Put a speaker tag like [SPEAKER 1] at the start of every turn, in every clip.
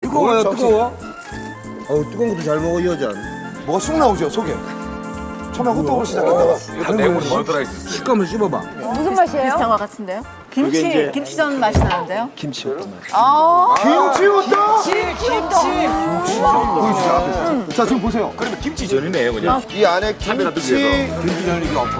[SPEAKER 1] 뜨거워요, 뜨거워? 뜨거운 것도 잘 먹어, 이 여자.
[SPEAKER 2] 뭐가 쑥 나오죠, 속에. 처음에 호떡으로 시작했다가.
[SPEAKER 3] 이거 내용물이 뭐 들어있었어요?
[SPEAKER 1] 식감을 씹어봐.
[SPEAKER 4] 무슨 맛이에요?
[SPEAKER 5] 비슷한 것 같은데요?
[SPEAKER 4] 김치, 김치전 맛이 나는데요?
[SPEAKER 6] 김치 호떡 맛.
[SPEAKER 2] 김치 호떡!
[SPEAKER 4] 김치.
[SPEAKER 2] 자, 지금 보세요.
[SPEAKER 3] 그러면 김치전이네요, 그냥.
[SPEAKER 2] 이 안에
[SPEAKER 3] 카메라
[SPEAKER 2] 김치.
[SPEAKER 3] 들면서.
[SPEAKER 1] 김치전 이게 엎어.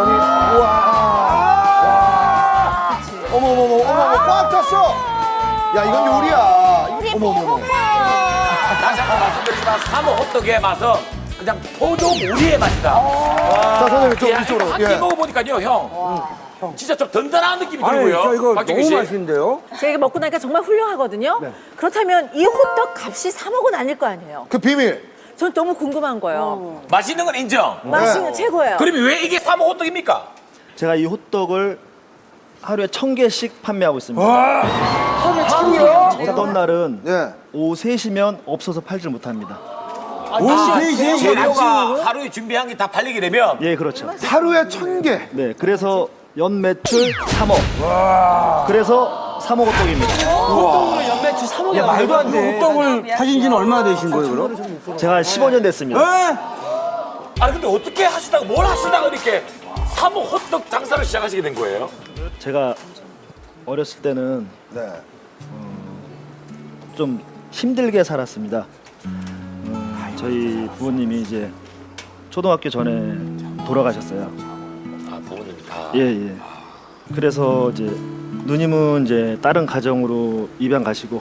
[SPEAKER 2] 어머머머, 꽉 찼어. 야, 이건 요리야. 어머머머.
[SPEAKER 3] 다시 한번 말씀드리지만 사모 호떡의 맛은 그냥 포도무리의 맛이다.
[SPEAKER 2] 자, 선생님, 좀 이쪽으로.
[SPEAKER 3] 한끼 먹어보니까요, 형. 진짜 좀 든든한 느낌이
[SPEAKER 1] 아니,
[SPEAKER 3] 들고요.
[SPEAKER 1] 저 이거
[SPEAKER 3] 박정희
[SPEAKER 1] 너무
[SPEAKER 3] 씨.
[SPEAKER 1] 맛있는데요?
[SPEAKER 5] 제가 이거 먹고 나니까 정말 훌륭하거든요. 그렇다면 이 호떡 값이 3억은 아닐 거 아니에요.
[SPEAKER 2] 그 비밀.
[SPEAKER 5] 전 너무 궁금한 거예요.
[SPEAKER 3] 맛있는 건 인정.
[SPEAKER 5] 맛이 최고예요.
[SPEAKER 3] 그러면 왜 이게 사모 호떡입니까?
[SPEAKER 6] 제가 이 호떡을 하루에 1000개씩 판매하고 있습니다. 어떤 날은
[SPEAKER 2] 예.
[SPEAKER 6] 오후 3시면 없어서 팔질 못합니다.
[SPEAKER 3] 재료가 하루에 준비한 게 다 팔리게 되면
[SPEAKER 6] 예, 그렇죠.
[SPEAKER 2] 하루에 1000개.
[SPEAKER 6] 네, 그래서 연 매출 3억. 그래서 3억 호떡입니다.
[SPEAKER 1] 야, 말도 안 돼. 호떡을 파신 지는 얼마나 되신 거예요, 그럼?
[SPEAKER 6] 제가 15년 됐습니다.
[SPEAKER 3] 아니 근데 어떻게 하시다가 뭘 하시다가 이렇게 사모 호떡 장사를 시작하시게 된 거예요?
[SPEAKER 6] 제가 어렸을 때는
[SPEAKER 2] 네.
[SPEAKER 6] 좀 힘들게 살았습니다. 저희 부모님이 이제 초등학교 전에 돌아가셨어요.
[SPEAKER 3] 아 부모님이 다.
[SPEAKER 6] 예, 예. 그래서 이제 누님은 이제 다른 가정으로 입양 가시고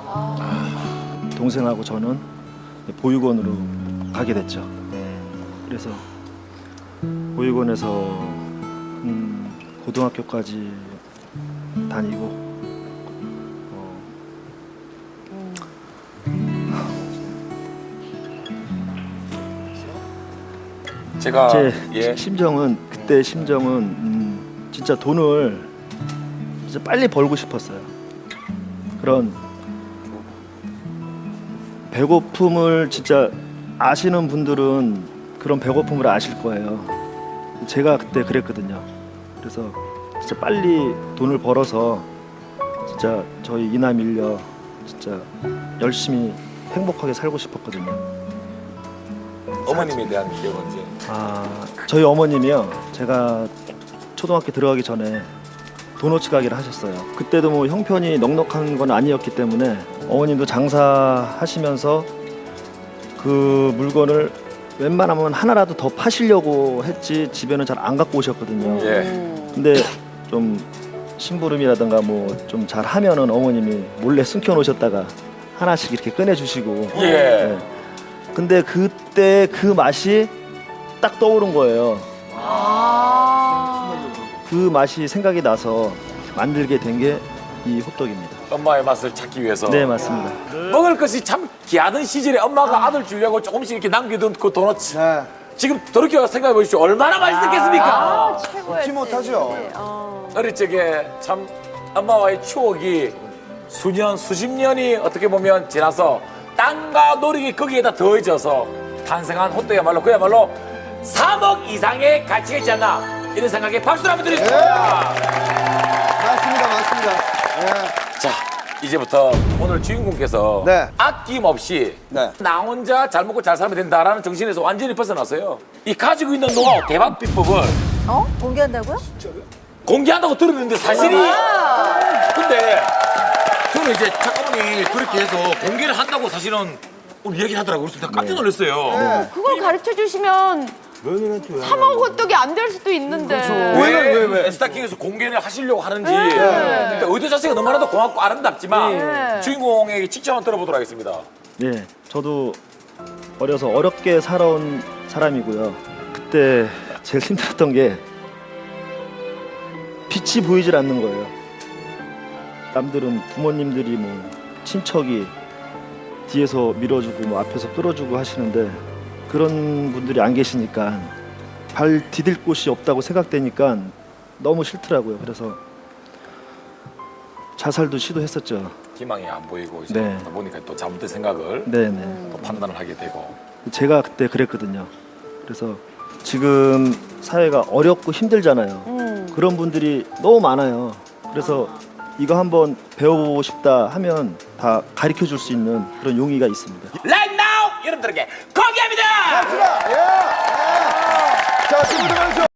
[SPEAKER 6] 동생하고 저는 보육원으로 가게 됐죠. 그래서 보육원에서 고등학교까지 다니고
[SPEAKER 3] 제가
[SPEAKER 6] 제
[SPEAKER 3] 예.
[SPEAKER 6] 심정은 그때 심정은 진짜 돈을 진짜 빨리 벌고 싶었어요. 그런 배고픔을 진짜 아시는 분들은 그런 배고픔을 아실 거예요. 제가 그때 그랬거든요. 그래서 진짜 빨리 돈을 벌어서 진짜 저희 이남 일녀 진짜 열심히 행복하게 살고 싶었거든요.
[SPEAKER 3] 어머님에 대한 기억은 이제
[SPEAKER 6] 저희 어머님이요. 제가 초등학교 들어가기 전에 도너츠 가게를 하셨어요. 그때도 뭐 형편이 넉넉한 건 아니었기 때문에 어머님도 장사하시면서 그 물건을 웬만하면 하나라도 더 파시려고 했지 집에는 잘 안 갖고 오셨거든요.
[SPEAKER 3] 예.
[SPEAKER 6] 근데 좀 심부름이라든가 뭐 좀 잘하면은 어머님이 몰래 숨겨 놓으셨다가 하나씩 이렇게 꺼내 주시고.
[SPEAKER 3] 예.
[SPEAKER 6] 근데 그때 그 맛이 딱 떠오른 거예요. 그 맛이 생각이 나서 만들게 된 게 이 호떡입니다.
[SPEAKER 3] 엄마의 맛을 찾기 위해서.
[SPEAKER 6] 네, 맞습니다.
[SPEAKER 3] 먹을 것이 참 귀하던 시절에 엄마가 아들 주려고 조금씩 이렇게 남겨둔 그 도넛.
[SPEAKER 2] 네.
[SPEAKER 3] 지금 돌이켜 생각해 보십시오. 얼마나 맛있었겠습니까?
[SPEAKER 2] 잊지 못하죠.
[SPEAKER 3] 어릴 적에 참 엄마와의 추억이 수년, 수십 년이 어떻게 보면 지나서 땅과 노력이 거기에다 더해져서 탄생한 호떡이야말로 그야말로 3억 이상의 가치가 있지 않나 이런 생각에 박수를 한번 드리겠습니다.
[SPEAKER 2] 맞습니다, 맞습니다.
[SPEAKER 3] 자, 이제부터 오늘 주인공께서
[SPEAKER 2] 네.
[SPEAKER 3] 아낌없이
[SPEAKER 2] 네.
[SPEAKER 3] 나 혼자 잘 먹고 잘 살면 된다라는 정신에서 완전히 벗어났어요. 이 가지고 있는 노하우, 대박 비법을
[SPEAKER 5] 공개한다고요?
[SPEAKER 3] 공개한다고 들었는데 사실이 근데 저는 이제 작가분이 그렇게 해서 공개를 한다고 사실은 오늘 얘기를 하더라고요. 그래서 깜짝 놀랐어요.
[SPEAKER 4] 그걸 가르쳐 주시면 3억 호떡이 안 될 수도 있는데.
[SPEAKER 3] 왜 스타킹에서 공개를 하시려고 하는지 그러니까 의도 자체가 너무나도 고맙고 아름답지만 주인공에게 직접 한번 들어보도록 하겠습니다.
[SPEAKER 6] 네, 저도 어려서 어렵게 살아온 사람이고요. 그때 제일 힘들었던 게 빛이 보이질 않는 거예요. 남들은 부모님들이 뭐 친척이 뒤에서 밀어주고 뭐 앞에서 끌어주고 하시는데 그런 분들이 안 계시니까 발 디딜 곳이 없다고 생각되니까 너무 싫더라고요. 그래서 자살도 시도했었죠.
[SPEAKER 3] 희망이 안 보이고 이제
[SPEAKER 6] 네.
[SPEAKER 3] 보니까 또 잘못된 생각을
[SPEAKER 6] 네네.
[SPEAKER 3] 또 판단을 하게 되고
[SPEAKER 6] 제가 그때 그랬거든요. 그래서 지금 사회가 어렵고 힘들잖아요. 그런 분들이 너무 많아요. 그래서 이거 한번 배워보고 싶다 하면 다 가르쳐 줄 수 있는 그런 용의가 있습니다.
[SPEAKER 3] Right now 여러분들에게 공개합니다.
[SPEAKER 2] 갑시다. 예. 자, 친구들